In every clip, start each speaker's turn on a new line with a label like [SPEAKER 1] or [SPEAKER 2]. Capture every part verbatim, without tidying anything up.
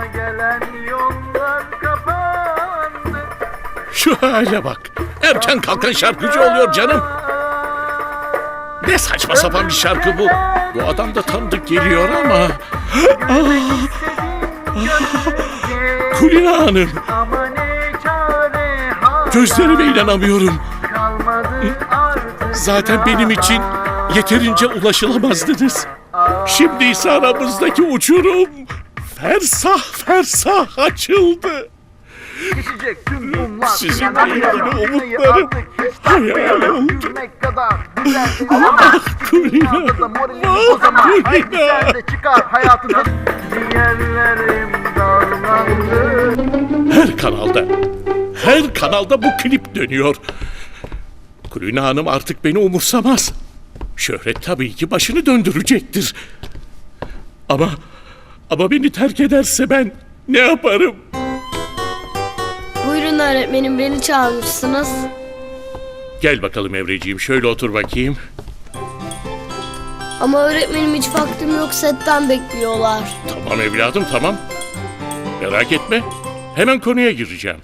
[SPEAKER 1] Başıma gelen yollar kapandı.
[SPEAKER 2] Şu hale bak. Erken kalkan şarkıcı oluyor canım. Ne saçma sapan bir şarkı bu. Bu adam da tanıdık geliyor ama. Ah, ah, Kulina Hanım.
[SPEAKER 1] Ama ne çare hala
[SPEAKER 2] Gözlerime inanamıyorum.
[SPEAKER 1] kalmadı artık.
[SPEAKER 2] Zaten benim için yeterince ulaşılamazdınız. Şimdi ise aramızdaki uçurum fersah fersah açıldı.
[SPEAKER 1] Geçecek tüm bunlar.
[SPEAKER 2] Sizinle
[SPEAKER 1] Yanar
[SPEAKER 2] ilgili
[SPEAKER 1] yanar.
[SPEAKER 2] umutlarım
[SPEAKER 1] Artık hiç
[SPEAKER 2] hayal
[SPEAKER 1] takmayalım.
[SPEAKER 2] oldu.
[SPEAKER 1] Gülmek kadar güzel bir zaman.
[SPEAKER 2] Kulina,
[SPEAKER 1] Dünyada da moralimiz o zaman.
[SPEAKER 2] Kulina.
[SPEAKER 1] Haydi sen de çıkar hayatından. Ciğerlerim darlandı.
[SPEAKER 2] Her kanalda, her kanalda bu klip dönüyor. Kulina Hanım artık beni umursamaz. Şöhret tabii ki başını döndürecektir. Ama, ama beni terk ederse ben ne yaparım?
[SPEAKER 3] Buyurun öğretmenim, beni çağırmışsınız.
[SPEAKER 2] Gel bakalım Evreciğim, şöyle otur bakayım.
[SPEAKER 3] Ama öğretmenim hiç vaktim yok, setten bekliyorlar.
[SPEAKER 2] Tamam evladım, tamam. Merak etme, hemen konuya gireceğim.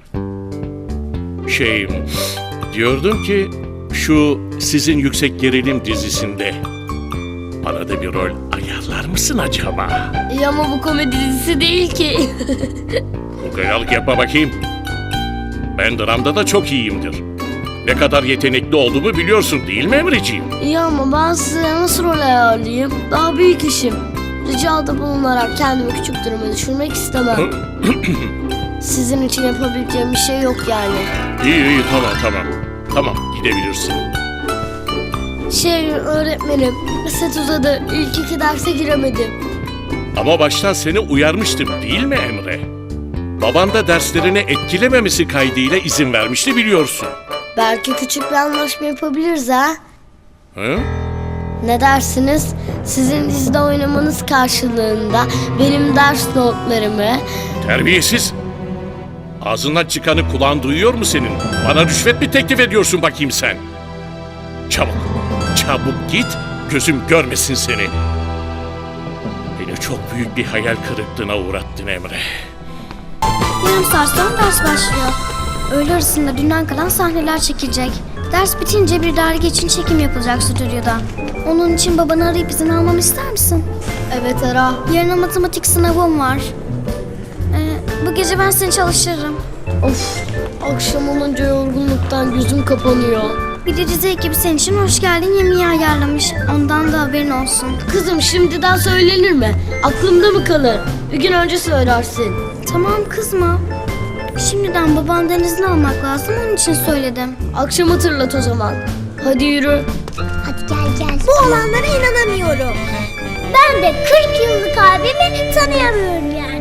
[SPEAKER 2] Şey, diyordum ki şu sizin Yüksek Gerilim dizisinde bana da bir rol ayarlar mısın acaba?
[SPEAKER 3] İyi ama bu komedi dizisi değil ki.
[SPEAKER 2] Ukayalık yapma bakayım. Ben dramda da çok iyiyimdir. Ne kadar yetenekli olduğumu biliyorsun değil mi Emreciğim?
[SPEAKER 3] İyi ama ben size nasıl rol ayarlayayım? Daha büyük işim. Ricada bulunarak kendimi küçük duruma düşürmek istemem. Sizin için yapabileceğim bir şey yok yani.
[SPEAKER 2] İyi iyi tamam tamam. Tamam gidebilirsin.
[SPEAKER 3] Şey öğretmenim, set uzadı. İlk iki derse giremedim.
[SPEAKER 2] Ama baştan seni uyarmıştım değil mi Emre? Baban da derslerini etkilememesi kaydıyla izin vermişti biliyorsun.
[SPEAKER 3] Belki küçük bir anlaşma yapabiliriz ha?
[SPEAKER 2] Hı?
[SPEAKER 3] Ne dersiniz? Sizin dizide oynamanız karşılığında benim ders notlarımı...
[SPEAKER 2] Terbiyesiz. Ağzından çıkanı kulağın duyuyor mu senin? Bana rüşvet mi teklif ediyorsun bakayım sen? Çabuk, çabuk git, gözüm görmesin seni. Beni çok büyük bir hayal kırıklığına uğrattın Emre.
[SPEAKER 4] Yarım saat sonra ders başlıyor. Öğle arasında dünden kalan sahneler çekilecek. Ders bitince bir dergi için çekim yapılacak stüdyoda. Onun için babanı arayıp izin almamı ister misin?
[SPEAKER 3] Evet Era.
[SPEAKER 4] Yarın matematik sınavım var. Ee, bu gece ben seni çalıştırırım.
[SPEAKER 3] Of, akşam olunca yorgunluktan gözüm kapanıyor.
[SPEAKER 4] Bir de dizi ekibi senin için hoş geldin yemeği ayarlamış. Ondan da haberin olsun.
[SPEAKER 3] Kızım şimdiden söylenir mi? Aklımda mı kalır? Bir gün önce söylersin.
[SPEAKER 4] Tamam kızma. Şimdiden babandan izin almak lazım, onun için söyledim.
[SPEAKER 3] Akşam hatırlat o zaman. Hadi yürü.
[SPEAKER 4] Hadi gel gel. Bu olanlara inanamıyorum. Ben de kırk yıllık abimi tanıyamıyorum yani.